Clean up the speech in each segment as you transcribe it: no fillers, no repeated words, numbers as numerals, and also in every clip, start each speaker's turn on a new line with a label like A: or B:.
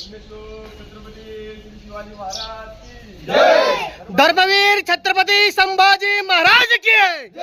A: धर्मवीर छत्रपती संभाजी महाराज की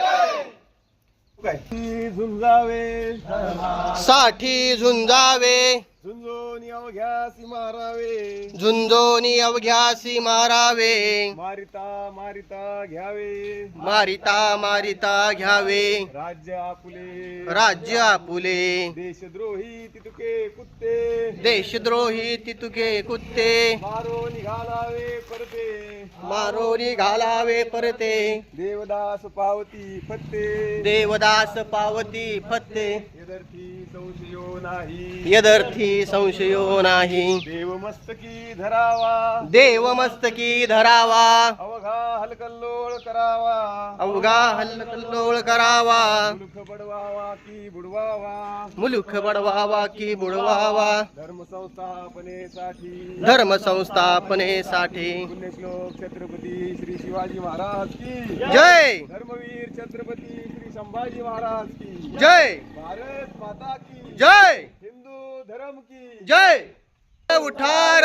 B: झुंजावे
A: साठी झुंजावे
B: झुंजोनी अवघ्यासी मारावे
A: झुंजोनी अवघ्यासी मारावे
B: मारिता मारिता घ्यावे
A: मारिता मारिता घ्यावे
B: राज्य आपुले
A: राज्य आपुले
B: देशद्रोही तितुके कुत्ते
A: देशद्रोही तितुके कुत्ते
B: मारो निघालावे परते
A: मारोरी घालावे परते
B: देवदास पावती फत्ते
A: देवदास पावती फत्ते
B: यदर्थी संशयो नाही
A: यदर्थी संशयो नाही
B: देव मस्तकी धरावा
A: देव मस्तकी धरावा
B: अवघा हलकल्लोळ करावा
A: अवघा हल्लोळ करावा
B: मुलुख बडवावा की बुडवावा
A: मुलुख बडवावा की बुडवावा
B: धर्म संस्थापनेसाठी
A: धर्म संस्थापनेसाठी
B: पुण्यश्लोक छत्रपती श्री शिवाजी महाराज की
A: जय
B: धर्मवीर छत्रपती श्री संभाजी महाराज की
A: जय
B: भारत माता की
A: जय
B: हिंदू धर्म की
A: जय उठार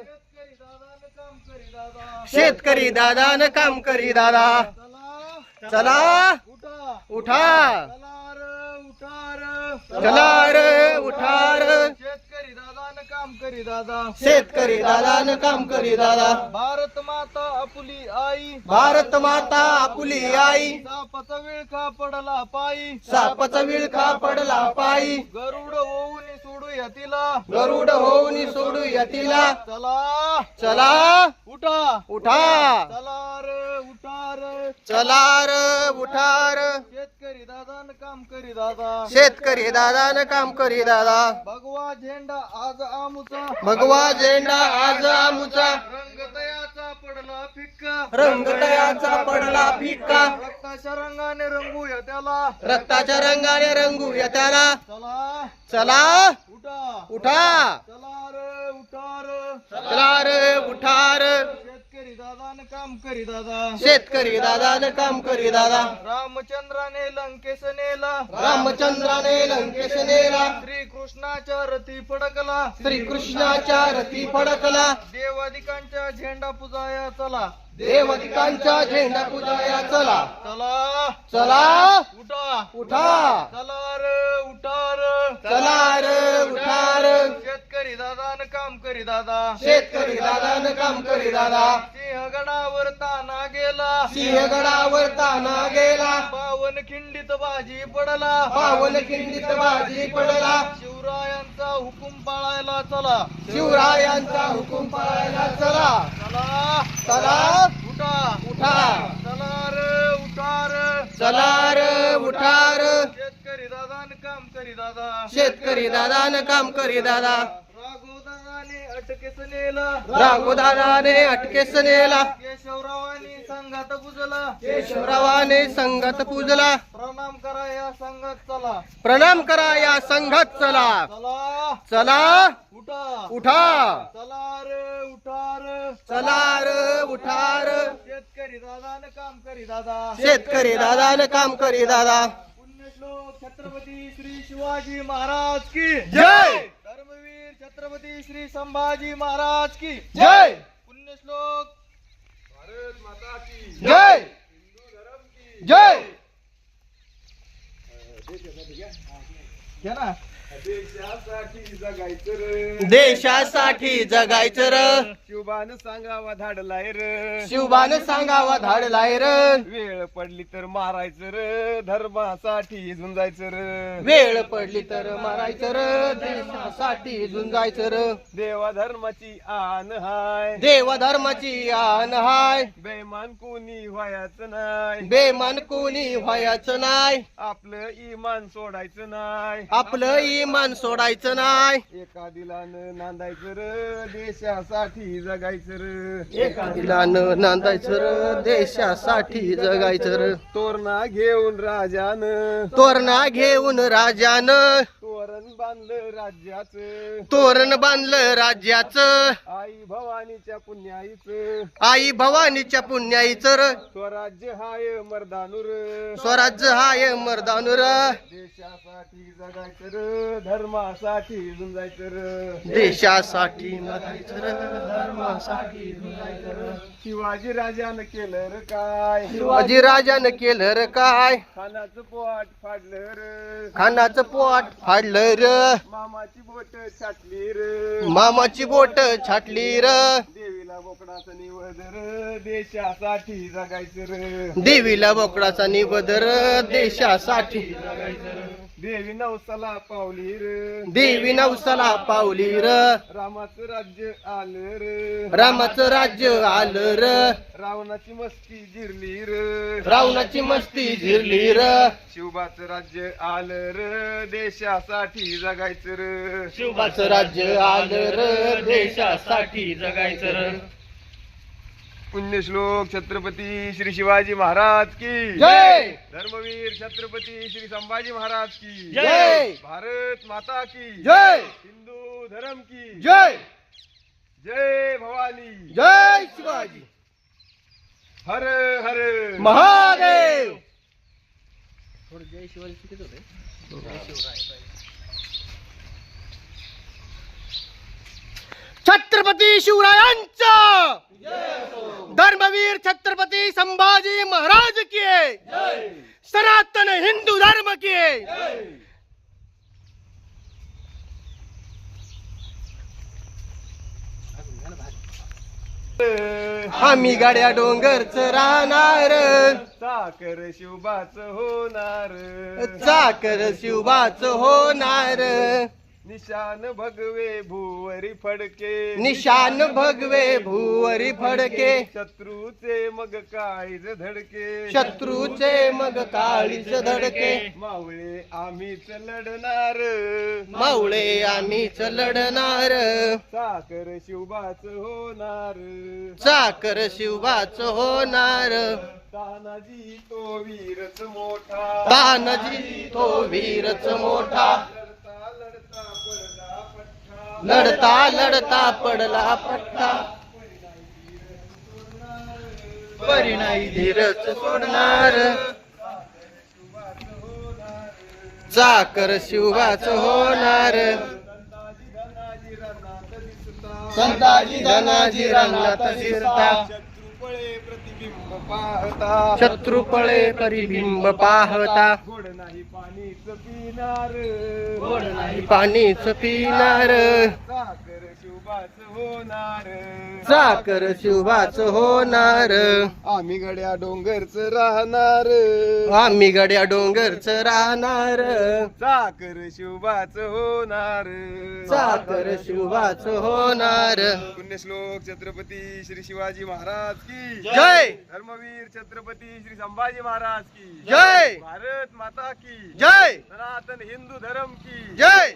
A: शेतकरी दादा न काम करी दादा चला उठा चला रे उठार
B: शेतकरी दादा न काम करी दादा
A: शेतकरी दादा न काम करी दादा
B: भारत माता आपुली आई
A: भारत माता आपुली आई
B: सापाचा विळखा पडला पायी
A: सापाचा विळखा पडला पायी
B: गरुड होऊन सोडूया तिला
A: गरुड होऊन सोडू यतीला
B: चला
A: चला
B: उठा
A: उठा
B: चला रे उठा रे
A: चला र उठार
B: शेतकरी दादा न काम करी दादा
A: शेतकरी दादा न काम करी दादा
B: भगवा झेंडा आज आमुचा
A: भगवा झेंडा आज आमुचा
B: रंगतयाचा पडला फिक्का
A: रंगतयाचा पडला फिक्का
B: रक्ताच्या रंगाने रंगूया त्याला
A: रक्ताच्या रंगाने रंगू त्याला
B: चला
A: चला
B: उठा
A: उठा
B: चला रे उठा रे
A: चला रे उठार
B: शेतकरी दादा न काम करी दादा
A: शेतकरी दादा न काम करी दादा
B: रामचंद्राने लंकेश नेला
A: रामचंद्राने लंकेश नेला
B: श्रीकृष्णाच्या रथी फडकला
A: श्रीकृष्णाच्या रथी फडकला
B: देवादिकांच्या झेंडा पुजाया चला
A: देवदिकांचा झेंडा पूजाया चला
B: चला
A: चला
B: उठा
A: उठा
B: चला रे उठा रे
A: चला रे उठार
B: शेतकरी दादा न काम करी दादा
A: शेतकरी दादा न काम करी दादा
B: सिंहगडावर ताना गेला
A: सिंहगडावर ताना गेला
B: पावन खिंडीत बाजी पडला
A: पावन खिंडीत बाजी पडला
B: शिवरायांचा हुकुम पाळायला चला
A: शिवरायांचा हुकुम पाळायला चला
B: चला
A: चला
B: उठा
A: उठा
B: चला रे उठा रे
A: चला रे उठार
B: शेतकरी दादा न काम करी दादा
A: शेतकरी दादा न काम करी दादा
B: राघव दादाने अटकेस नेला
A: राघोदादाने अटकेस नेला
B: केशवरावांनी संघात बुजला
A: केशवरावाने संघात पूजला
B: प्रणाम करा या संघात चला
A: प्रणाम करा या संघात चला
B: चला
A: चला
B: उठा
A: उठा
B: चला रे उठा रे
A: चला रे उठार
B: शेतकरी दादा न काम करी दादा
A: शेतकरी दादा न काम करी दादा
B: पुण्यश्लोक छत्रपती श्री शिवाजी महाराज की
A: जय
B: धर्मवीर छत्रपती श्री संभाजी महाराज की
A: जय
B: पुण्यश्लोक भारत माता की
A: जय
B: हिंदू धर्म की
A: जय
B: घ्या ना देशासाठी जगायचं रे
A: देशासाठी जगायचं र
B: शिवबान सांगावा धाडलाय रे
A: शिवबान सांगावा धाडलाय र
B: वेळ पडली तर मारायचं रे धर्मासाठी झुंजायचं रे
A: वेळ पडली तर मारायचं र देशासाठी झुंजायचं र
B: देवा धर्माची आन हाय
A: देव धर्माची आन हाय
B: बेमान कोणी व्हायचं नाही
A: बेमान कोणी व्हायचं नाही
B: आपलं इमान सोडायचं नाही
A: आपलं इमान सोडायचं नाही
B: एका दिलानं नांदायचं र देशासाठी जगायचं र
A: एका दिलानं नांदायचं र देशासाठी जगायचं र
B: तोरणा घेऊन राजानं
A: तोरणा घेऊन राजानं
B: तोरण बांधलं राज्याचं
A: तोरण बांधलं राज्याचं
B: आई भवानीच्या पुण्याईचं
A: आई भवानीच्या पुण्याईचं र
B: स्वराज्य हाय मर्दानूर
A: स्वराज्य हाय मर्दानूर
B: देशासाठी जगायचं र धर्मासाठी झुंजायचं र
A: देशासाठी मरायचं र धर्मासाठी झुंजायचं र
B: शिवाजी राजानं केलं र काय
A: शिवाजी राजानं केलं र काय
B: खानाचं पोट फाडलं र
A: खानाचं पोट फाडलं र
B: मामाची बोट छाटली र
A: मामाची बोट छाटली र
B: देवीला बोकडाचं निवद र देशासाठी जगायचं र
A: देवीला बोकडाचा निवद र देशासाठी
B: देवी नवसाला पावली र
A: देवी नवसाला पावली र
B: रामाचं राज्य आलं र
A: रामाचं राज्य आलं र
B: रावणाची मस्ती जिरली र
A: रावणाची मस्ती झिरली र
B: शिवबाचं राज्य आलं र देशासाठी जगायचं र
A: शिवबाचं राज्य आलं र देशासाठी जगायचं र
B: पुण्यश्लोक छत्रपती श्री शिवाजी महाराज की
A: जय
B: धर्मवीर छत्रपती श्री संभाजी महाराज की
A: जय
B: भारत माता की
A: जय
B: हिंदू धर्म की
A: जय
B: जय भवानी
A: जय शिवाजी
B: हर हर
A: महादेव जय शिवाजी छत्रपती शिवरायांचा धर्मवीर छत्रपती संभाजी महाराज की सनातन हिंदू धर्म की आम्ही गाड्या डोंगरच राहणार
B: साखर शिवबाच होणार
A: चाकर शिवबाच होणार
B: निशान भगवे भुवरी फडके
A: निशान भगवे भुवरी फडके
B: शत्रूचे मग काळीज धडके
A: शत्रूचे मग काळीच धडके
B: मावळे आम्हीच लढणार
A: मावळे आम्हीच लढणार
B: साखर शिवबाच होणार
A: चाकर शिवबाच होणार
B: तानाजी तो वीरच मोठा
A: तानाजी तो वीरच मोठा
B: लढता लढता पडला पठ्ठा
A: लढता लढता पडला पट्टा परिणाई धीरच सोडणार चाकर शिवबाच होणार संताजी धनाजी रंगात दिसता
B: शत्रुपळे प्रतिबिंब पाहता
A: शत्रुपळे परिबिंब पाहता
B: गोड नाही पाणीच पिणार
A: गोड नाही पाणीच पिणार
B: साखर शिवबाच होणार
A: चाकर शिवबाच होणार
B: आम्ही गड्या डोंगरच राहणार
A: आम्ही गड्या डोंगरच राहणार
B: साखर शिवबाच होणार
A: चाकर शिवबाच होणार
B: पुण्यश्लोक छत्रपती श्री शिवाजी महाराज की
A: जय
B: धर्मवीर छत्रपती श्री संभाजी महाराज की
A: जय
B: भारत माता की
A: जय
B: सनातन हिंदू धर्म की
A: जय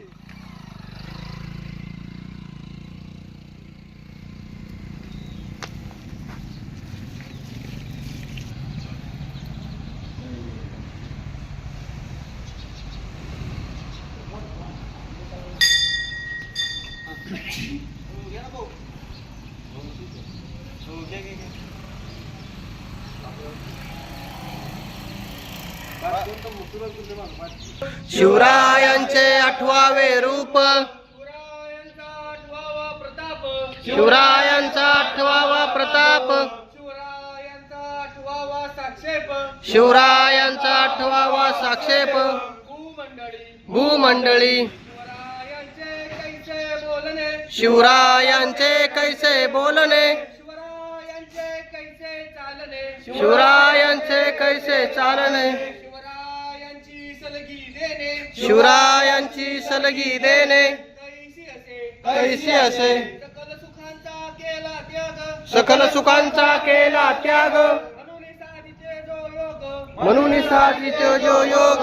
A: शिवरायांचे 8वे रूप शिवरायांचा 8वा प्रताप शिवरायांचा 8वा साक्षेप भूमंडळी शिवरायांचे कैसे बोलणे शिवरायांचे कैसे चालणे शिवरायांची सलगी देणे कैसी असे सकल सुखांचा केला त्याग म्हणून साधितो जो योग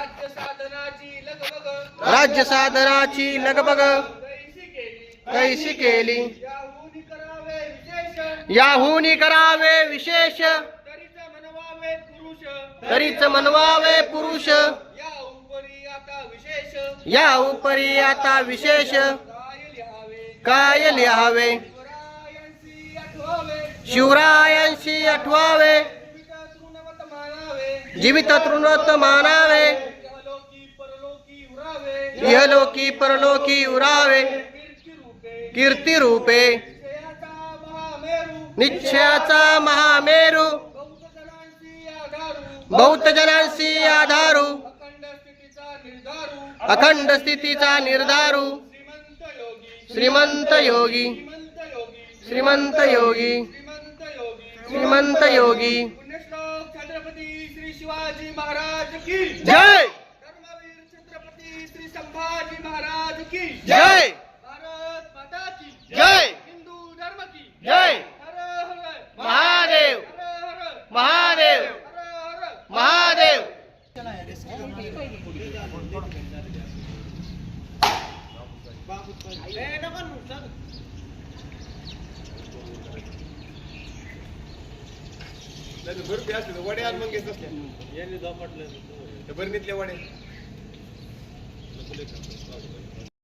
A: राज्य साधनाची लगबग कैसी केली याहुनी करावे विशेष तरीच मनवावे पुरुष या उपरी आता विशेष काय लिहावे शिवरायांशी 8वे जीवित तृणवत मानावे इहलोकी परलोकी उरावे कीर्ती रूपे निश्चयाचा महामेरू बहुत जनांशी आधारू अखंड स्थितीचा निर्धारू श्रीमंत योगी श्रीमंत योगी श्रीमंत योगी
C: पुण्यश्लोक छत्रपती श्री शिवाजी महाराज की
A: जय
C: धर्मवीर छत्रपती श्री संभाजी महाराज की
A: जय
C: भारत माता की
A: जय
C: हिंदू धर्म की
A: जय
C: हर हर
A: महादेव
C: हर हर
A: महादेव
C: हर हर
A: महादेव
B: वडे आण मग घेत बरणीतले वडे